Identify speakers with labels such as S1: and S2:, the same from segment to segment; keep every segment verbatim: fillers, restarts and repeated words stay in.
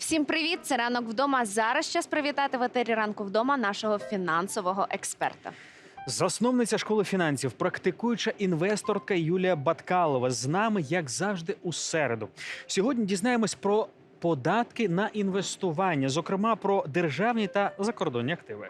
S1: Всім привіт! Це «Ранок вдома». Зараз час привітати в етері «Ранку вдома» нашого фінансового експерта.
S2: Засновниця школи фінансів, практикуюча інвесторка Юлія Баткалова з нами, як завжди, у середу. Сьогодні дізнаємось про податки на інвестування, зокрема про державні та закордонні активи.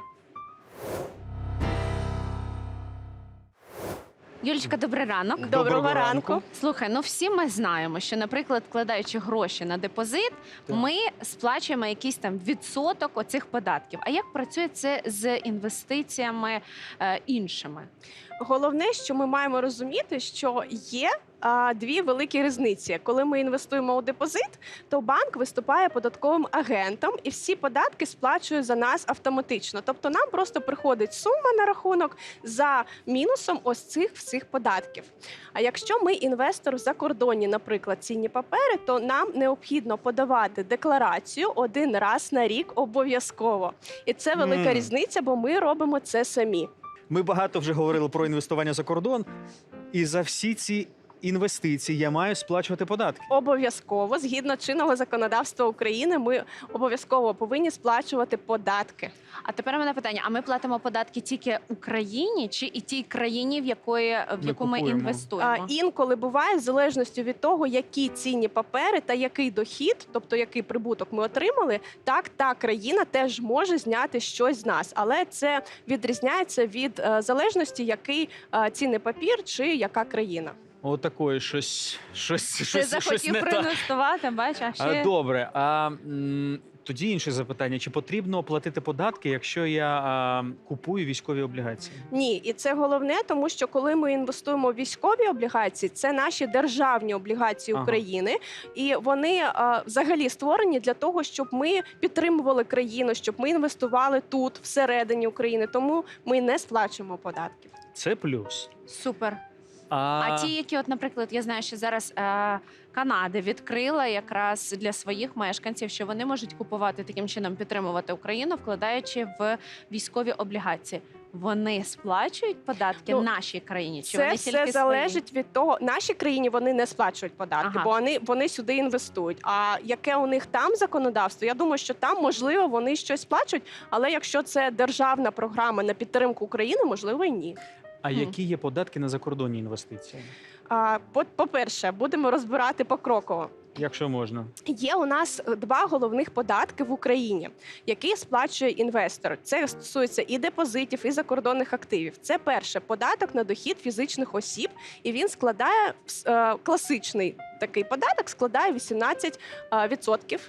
S1: Юлічка, добрий ранок.
S2: Доброго
S3: Доброго
S2: ранку.
S3: ранку.
S1: Слухай, ну всі ми знаємо, що, наприклад, вкладаючи гроші на депозит,
S2: Так.
S1: ми сплачуємо якийсь там відсоток оцих податків. А як працює це з інвестиціями е, іншими?
S3: Головне, що ми маємо розуміти, що є а, дві великі різниці. Коли ми інвестуємо у депозит, то банк виступає податковим агентом і всі податки сплачує за нас автоматично. Тобто нам просто приходить сума на рахунок за мінусом ось цих всіх податків. А якщо ми інвестор в закордонні, наприклад, цінні папери, то нам необхідно подавати декларацію один раз на рік обов'язково. І це велика
S2: Мгм.
S3: різниця, бо ми робимо це самі.
S2: Ми багато вже говорили про інвестування за кордон, і за всі ці інвестиції я маю сплачувати податки.
S3: Обов'язково, згідно чинного законодавства України, ми обов'язково повинні сплачувати податки.
S1: А тепер у мене питання: а ми платимо податки тільки Україні чи і тій країні, в якої в
S2: Ми
S1: яку ми
S2: купуємо.
S1: інвестуємо?
S3: А, інколи буває, в залежності від того, які цінні папери та який дохід, тобто який прибуток ми отримали, так та країна теж може зняти щось з нас. Але це відрізняється від е, залежності, який е, цінний папір чи яка країна.
S2: Отакої щось, щось,
S1: Ти
S2: щось, щось
S1: захотів
S2: не так.
S1: проінвестувати, бачиш, а
S2: А,
S1: ще...
S2: Добре, а м, тоді інше запитання: чи потрібно платити податки, якщо я а, купую військові облігації?
S3: Ні, і це головне, тому що коли ми інвестуємо в військові облігації, це наші державні облігації
S2: Ага.
S3: України, і вони а, взагалі створені для того, щоб ми підтримували країну, щоб ми інвестували тут, всередині України. Тому ми не сплачуємо податків.
S2: Це плюс.
S1: Супер.
S2: А,
S1: А ті, які, от, наприклад, я знаю, що зараз е, Канада відкрила якраз для своїх мешканців, що вони можуть купувати таким чином, підтримувати Україну, вкладаючи в військові облігації. Вони сплачують податки
S3: Ну,
S1: нашій країні? Чи
S3: Це
S1: вони
S3: все
S1: тільки
S3: залежить від того, нашій країні вони не сплачують податки,
S1: Ага.
S3: бо вони, вони сюди інвестують. А яке у них там законодавство? Я думаю, що там можливо вони щось сплачують, але якщо це державна програма на підтримку України, можливо, і ні.
S2: а
S1: Мгм.
S2: які є податки на закордонні інвестиції?
S3: А, по- по-перше, будемо розбирати покроково.
S2: Якщо можна.
S3: Є у нас два головних податки в Україні, які сплачує інвестор. Це стосується і депозитів, і закордонних активів. Це перше податок на дохід фізичних осіб, і він складає е, класичний такий податок, складає вісімнадцять відсотків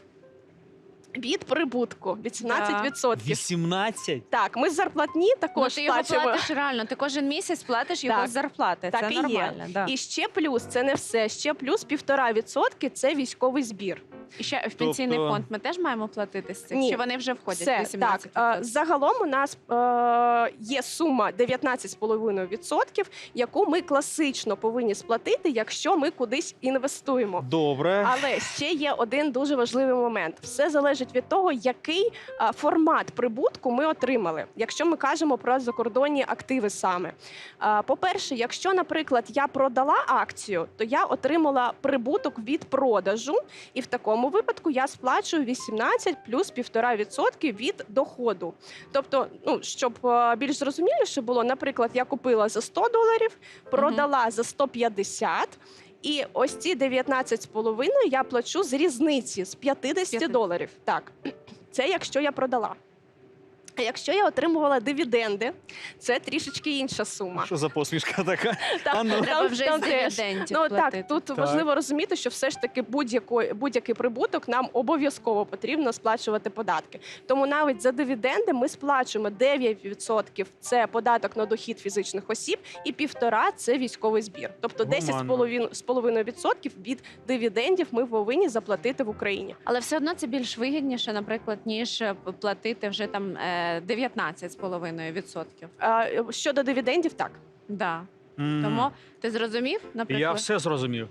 S3: від прибутку. вісімнадцять відсотків.
S2: вісімнадцять?
S3: Так, ми з зарплатні
S1: Ну,
S3: також
S1: ти його
S3: сплачуємо.
S1: платиш реально, ти кожен місяць платиш його
S3: Так.
S1: з зарплати.
S3: Так
S1: це
S3: і є.
S1: нормально. Да.
S3: І ще плюс, це не все. Ще плюс півтора відсотки це військовий збір.
S1: І ще в пенсійний
S2: Тобто-
S1: фонд ми теж маємо платити з цих?
S3: Ні.
S1: Чи вони вже входять в
S3: Все,
S1: вісімнадцять
S3: так. Е, Загалом у нас е, є сума дев'ятнадцять цілих п'ять десятих відсотків, яку ми класично повинні сплатити, якщо ми кудись інвестуємо.
S2: Добре.
S3: Але ще є один дуже важливий момент. Все залежить від того, який е, формат прибутку ми отримали, якщо ми кажемо про закордонні активи саме. Е, По-перше, якщо, наприклад, я продала акцію, то я отримала прибуток від продажу, і в такому випадку я сплачую вісімнадцять плюс півтора відсотки від доходу. Тобто, ну щоб е, більш зрозуміліше було, наприклад, я купила за сто доларів, продала за сто п'ятдесят. І ось ці дев'ятнадцять з половиною я плачу з різниці, з п'ятдесят доларів. Так, це якщо я продала. А якщо я отримувала дивіденди, це трішечки інша сума.
S2: Що за посмішка така?
S3: Там-
S2: А ну.
S1: Треба
S3: там-
S1: вже
S3: там
S1: з
S3: теж.
S1: дивідендів
S3: Ну
S1: платити.
S3: так, тут
S2: Так.
S3: важливо розуміти, що все ж таки будь-який будь-який прибуток нам обов'язково потрібно сплачувати податки. Тому навіть за дивіденди ми сплачуємо дев'ять відсотків – це податок на дохід фізичних осіб, і півтора – це військовий збір. Тобто десять з половиною відсотків від дивідендів ми повинні заплатити в Україні.
S1: Але все одно це більш вигідніше, наприклад, ніж е, платити вже там е, дев'ятнадцять з половиною відсотків.
S3: А, щодо дивідендів, так.
S1: Да.
S2: М.
S1: Тому ти зрозумів, наприклад?
S2: Я все зрозумів.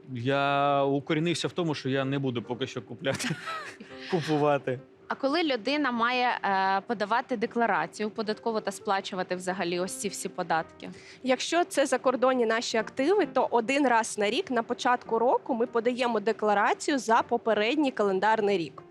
S2: Я укорінився в тому, що я не буду поки що купляти, купувати.
S1: А коли людина має е, подавати декларацію податково та сплачувати взагалі ось ці всі податки?
S3: Якщо це закордонні наші активи, то один раз на рік на початку року ми подаємо декларацію за попередній календарний рік.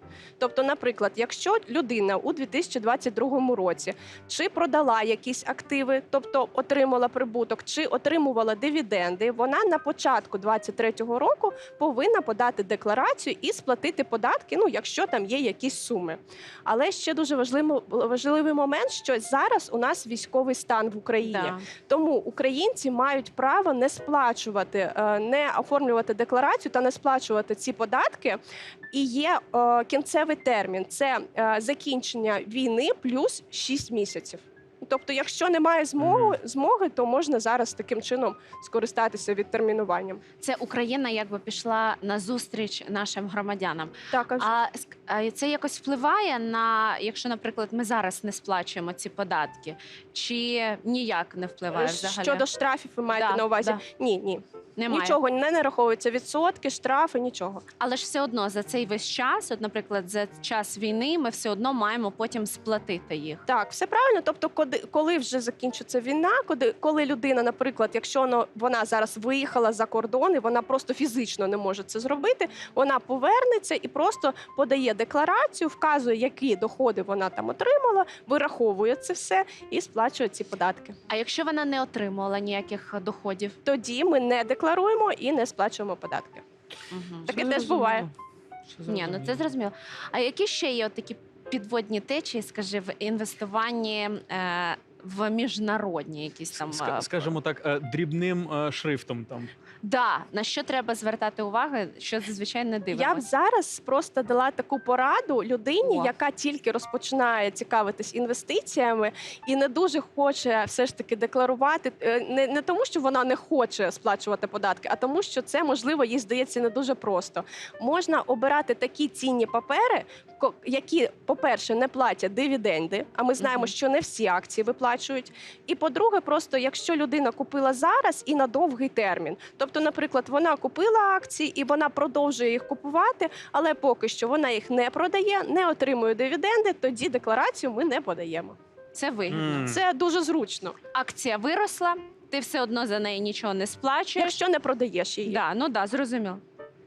S3: Тобто, наприклад, якщо людина у дві тисячі двадцять другому році чи продала якісь активи, тобто отримала прибуток, чи отримувала дивіденди, вона на початку двадцять третього року повинна подати декларацію і сплатити податки, ну, якщо там є якісь суми. Але ще дуже важливий, важливий момент, що зараз у нас військовий стан в Україні.
S1: Да.
S3: Тому українці мають право не сплачувати, е, не оформлювати декларацію та не сплачувати ці податки. І є е, кінцевий термін – це е, закінчення війни плюс шість місяців. Тобто, якщо немає змоги, змоги, то можна зараз таким чином скористатися відтермінуванням.
S1: Це Україна якби пішла на зустріч нашим громадянам.
S3: Так, аж.
S1: А ск- а це якось впливає на, якщо, наприклад, ми зараз не сплачуємо ці податки, чи ніяк не впливає взагалі?
S3: Щодо штрафів, ви маєте
S1: Да,
S3: на увазі?
S1: да.
S3: Ні, ні.
S1: Немає.
S3: Нічого не нараховується, відсотки, штрафи, нічого.
S1: Але ж все одно за цей весь час, от, наприклад, за час війни, ми все одно маємо потім сплатити їх.
S3: Так, все правильно. Тобто, коли, коли вже закінчиться війна, коли, коли людина, наприклад, якщо вона, вона зараз виїхала за кордон і вона просто фізично не може це зробити, вона повернеться і просто подає декларацію, вказує, які доходи вона там отримала, вираховує це все і сплачує ці податки.
S1: А якщо вона не отримувала ніяких доходів?
S3: Тоді ми не декларуємо і не сплачуємо податки.
S1: Угу.
S3: Таке теж буває.
S1: Ні, ну це зрозуміло. А які ще є от такі підводні течії, скажи, в інвестуванні е, в міжнародні якісь там
S2: Ска-
S1: е,
S2: Скажімо так, е, дрібним е, шрифтом там.
S1: да, на що треба звертати увагу, що зазвичай не
S3: Я б
S1: дивимося?
S3: зараз просто дала таку пораду людині,
S1: О.
S3: яка тільки розпочинає цікавитись інвестиціями і не дуже хоче все ж таки декларувати. е, Не, не тому, що вона не хоче сплачувати податки, а тому, що це можливо їй здається не дуже просто. Можна обирати такі цінні папери, ко- які, по-перше, не платять дивіденди. А ми знаємо,
S1: Мгм.
S3: що не всі акції виплачують. І по-друге, просто якщо людина купила зараз і на довгий термін. Тобто, наприклад, вона купила акції і вона продовжує їх купувати, але поки що вона їх не продає, не отримує дивіденди, тоді декларацію ми не подаємо.
S1: Це вигідно.
S2: Мгм.
S3: Це дуже зручно,
S1: Акція виросла, ти все одно за неї нічого не сплачуєш.
S3: якщо не продаєш її.
S1: Да, ну да, зрозуміло.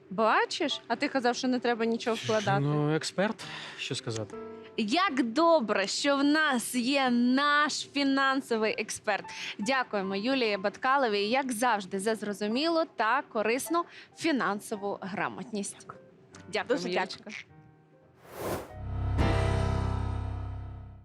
S1: Бачиш? А ти казав, що не треба нічого вкладати.
S2: Ну, експерт, що сказати?
S1: Як добре, що в нас є наш фінансовий експерт. Дякуємо Юлії Баткаловій, як завжди, за зрозумілу та корисну фінансову грамотність. Дякую,
S3: Дуже
S1: Юлічка.
S3: дякую.